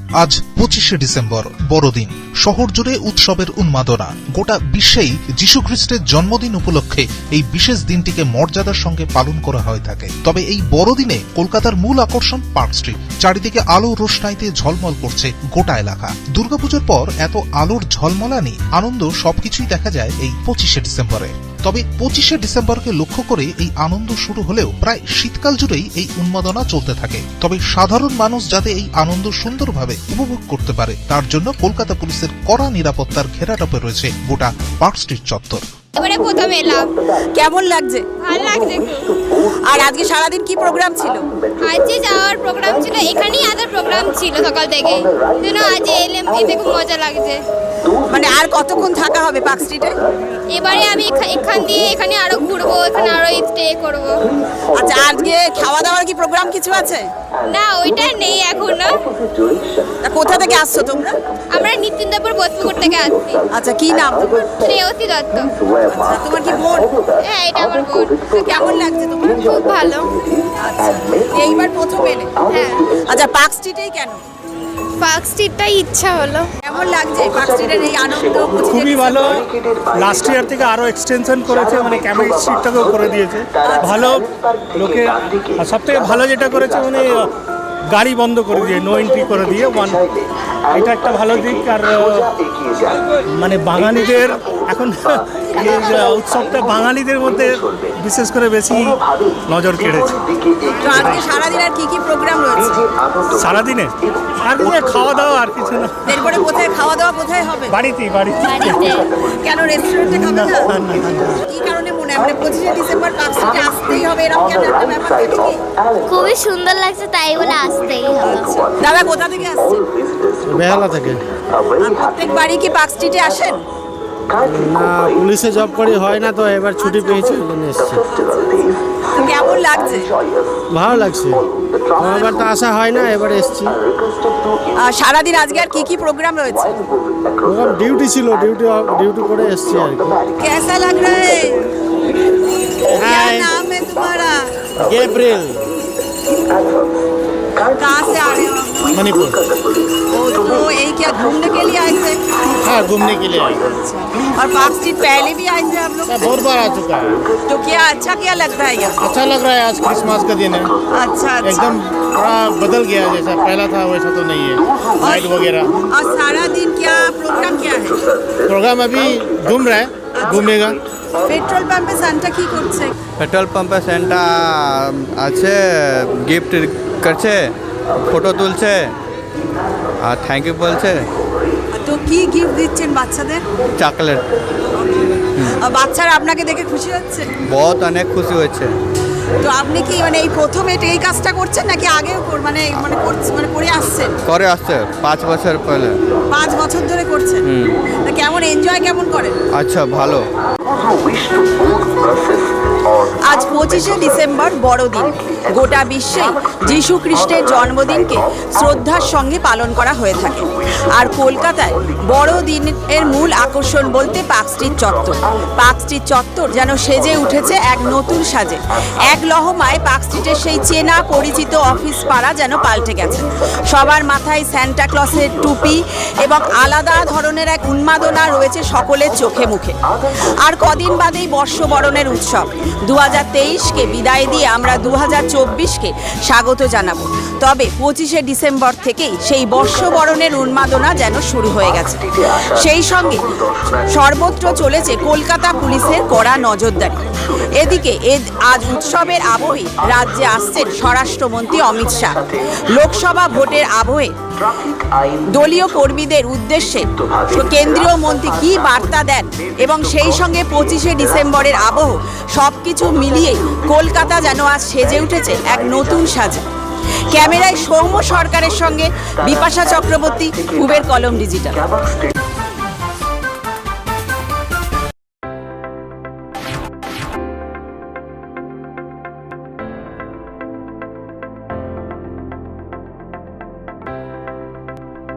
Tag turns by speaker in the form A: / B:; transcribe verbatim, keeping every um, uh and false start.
A: আজ পঁচিশে ডিসেম্বর, বড়দিন। শহর জুড়ে উৎসবের উন্মাদনা। গোটা বিশ্বেই যীশু খ্রিস্টের জন্মদিন উপলক্ষে এই বিশেষ দিনটিকে মর্যাদার সঙ্গে পালন করা হয়ে থাকে। তবে এই বড়দিনে কলকাতার মূল আকর্ষণ পার্ক স্ট্রিট। চারিদিকে আলো রোশনাইতে ঝলমল করছে গোটা এলাকা। দুর্গাপুজোর পর এত আলোর ঝলমলানি, আনন্দ সবকিছুই দেখা যায় এই পঁচিশে ডিসেম্বরে। তবে পঁচিশে ডিসেম্বরকে লক্ষ্য করে এই আনন্দ শুরু হলেও প্রায় শীতকাল জুড়েই এই উন্মাদনা চলতে থাকে। তবে সাধারণ মানুষ যাতে এই আনন্দ সুন্দরভাবে উপভোগ করতে পারে, তার জন্য কলকাতা পুলিশের কড়া নিরাপত্তার ঘেরাটোপে রয়েছে গোটা পার্ক স্ট্রিট চত্বর।
B: এবারে প্রথম এলাম,
C: কেমন লাগছে?
B: ভালো লাগছে।
C: আর আজকে সারাদিন কি প্রোগ্রাম ছিল?
B: আজকে যাওয়ার প্রোগ্রাম ছিল, এখানেই আদার প্রোগ্রাম ছিল সকাল থেকে, যেন আজ এলাম, এতে খুব মজা লাগছে।
C: মানে আর কতক্ষণ থাকা হবে পার্ক স্ট্রিটে?
B: এবারে আমি এখান দিয়ে এখানে আরো ঘুরবো, এখানে আরো স্টে করবো।
C: আচ্ছা, আজকে খাওয়া দাওয়ার কি প্রোগ্রাম কিছু আছে?
B: না, ওইটা নেই এখনো।
C: তা কোথা থেকে আসছো তোমরা?
B: আমরা নিত্যিন্দাপুর বোধপুকুর থেকে আসছি।
C: আচ্ছা, কি নাম?
B: শ্রেয়সী দত্ত।
C: আচ্ছা, তোমার কি বোন?
B: হ্যাঁ, এটা আমার বোন।
C: কেমন লাগছে তোমার?
B: খুব ভালো।
C: আচ্ছা, এইবার প্রথম এলে?
B: হ্যাঁ।
C: আচ্ছা, পার্ক স্ট্রিটেই কেন?
B: পার্ক স্ট্রিটটাই ইচ্ছা হলো।
C: কেমন লাগছে পার্ক স্ট্রিটের এই আনন্দ?
D: খুবই ভালো। লাস্ট ইয়ার থেকে আরো এক্সটেনশন করেছে, মানে ক্যামেরা স্ট্রিটটাকেও করে দিয়েছে ভালো। লোকে সব থেকে ভালো যেটা করেছে, মানে গাড়ি বন্ধ করে দিয়ে নো এন্ট্রি করে দিয়ে ওয়ান, এটা একটা ভালো দিক। আর মানে বাঙালিদের এখন এই উৎসবটা বাঙালিদের মধ্যে বিশেষ করে বেশি নজর কেড়েছে।
C: তো আজকে সারাদিন আর কি কি প্রোগ্রাম রয়েছে?
D: সারাদিনে আর কিছু খাওয়া দাওয়া, আর কিছু না।
C: এরপরে কোথায় খাওয়া দাওয়া কোথায় হবে?
D: বাড়িতেই বাড়িতে
C: কেন রেস্টুরেন্টে খাবে না? কি কারণে মনে হয় পঁচিশে ডিসেম্বর পার্ক স্ট্রিটে আসতেই হবে, এরকম কেন একটা ব্যাপার থাকে কি?
B: খুবই সুন্দর লাগছে, তাই বলে আসতেই হবে।
C: দাদা কোথা থেকে আসছেন?
E: বেহালা থেকে।
C: প্রত্যেক বাড়ি কি পার্ক স্ট্রিটে আসেন?
E: না, পুলিশে জব করি, হয় না, তো এবার ছুটি পেয়েছি, ওই জন্য এসেছি।
C: তো কেমন লাগছে?
E: ভালো লাগছে, এবার তো আসা হয় না, এবার এসেছি।
C: আর সারাদিন আজকে আর কি কি প্রোগ্রাম রয়েছে?
E: প্রোগ্রাম ডিউটি ছিল, ডিউটি ডিউটি করে এসেছি আর কি।
C: कैसा लग रहा है? क्या नाम है तुम्हारा?
E: गैब्रियल।
C: कहाँ से आ रहे हो?
E: मणिपुर।
C: ओ, तो यही क्या घूमने के लिए आए थे?
E: हाँ, घूमने के लिए आए।
C: और पार्क स्ट्रीट पहले भी आए थे आप लोग?
E: बहुत बार आ चुका है।
C: तो क्या अच्छा क्या लगता है यहाँ?
E: अच्छा लग रहा है, आज क्रिसमस का दिन है।
C: अच्छा अच्छा।
E: एकदम थोड़ा बदल गया, जैसा पहला था वैसा तो नहीं है, लाइट वगैरह।
C: और सारा दिन क्या प्रोग्राम क्या है?
E: प्रोग्राम अभी घूम रहा है, घूमेगा।
C: পেট্রোল পাম্পে সান্টা কি করছে?
F: পেট্রোল পাম্পে সেন্টা আছে, গিফট করছে, ফটো তুলছে আর থ্যাংক ইউ বলছে।
C: তো কি গিফট দিচ্ছেন বাচ্চাদের?
F: চকলেট।
C: আর বাচ্চারা আপনাকে দেখে খুশি হচ্ছে?
F: বহুত অনেক খুশি হচ্ছে।
C: তো আপনি কি মানে এই প্রথম এটা এই কাজটা করছেন নাকি আগেও কর- মানে মানে করছেন মানে করে আসছেন?
F: করে আসছে পাঁচ বছর পহলে।
C: পাঁচ বছর ধরে করছেন? তা কেমন এনজয় কেমন করেন?
F: আচ্ছা, ভালো।
C: আজ পঁচিশে ডিসেম্বর বড়দিন। গোটা বিশ্বে যীশু খ্রিস্টের জন্মদিনকে শ্রদ্ধার সঙ্গে পালন করা হয়ে থাকে। আর কলকাতায় বড়দিনের মূল আকর্ষণ বলতে পার্ক স্ট্রিট চত্বর। পার্ক স্ট্রিট চত্বর যেন সেজে উঠেছে এক নতুন সাজে। এক লহমায় পার্ক স্ট্রিটের সেই চেনা পরিচিত অফিস পাড়া যেন পাল্টে গেছে। সবার মাথায় স্যান্টা ক্লসের টুপি এবং আলাদা ধরনের এক উন্মাদনা রয়েছে সকলের চোখে মুখে। আর কদিন বাদেই বর্ষবরণের উৎসব। দু হাজার তেইশকে বিদায় দিয়ে আমরা দু হাজার চব্বিশকে স্বাগত জানাবো। তবে পঁচিশে ডিসেম্বর থেকেই সেই বর্ষবরণের উন্মাদনা যেন শুরু হয়ে গেছে। সেই সঙ্গে সর্বত্র চলেছে কলকাতা পুলিশের কড়া নজরদারি। এদিকে আজ উৎসবের আবহে রাজ্যে আসছেন স্বরাষ্ট্রমন্ত্রী অমিত শাহ। লোকসভা ভোটের আবহে দলীয় কর্মীদের উদ্দেশ্যে কেন্দ্রীয় মন্ত্রী কি বার্তা দেন এবং সেই সঙ্গে পঁচিশে ডিসেম্বরের আবহ সবকিছু মিলিয়ে কলকাতা যেন আজ সেজে উঠেছে এক নতুন সাজে। ক্যামেরায় সৌম্য সরকারের সঙ্গে বিপাশা চক্রবর্তী, কুবের কলম ডিজিটাল।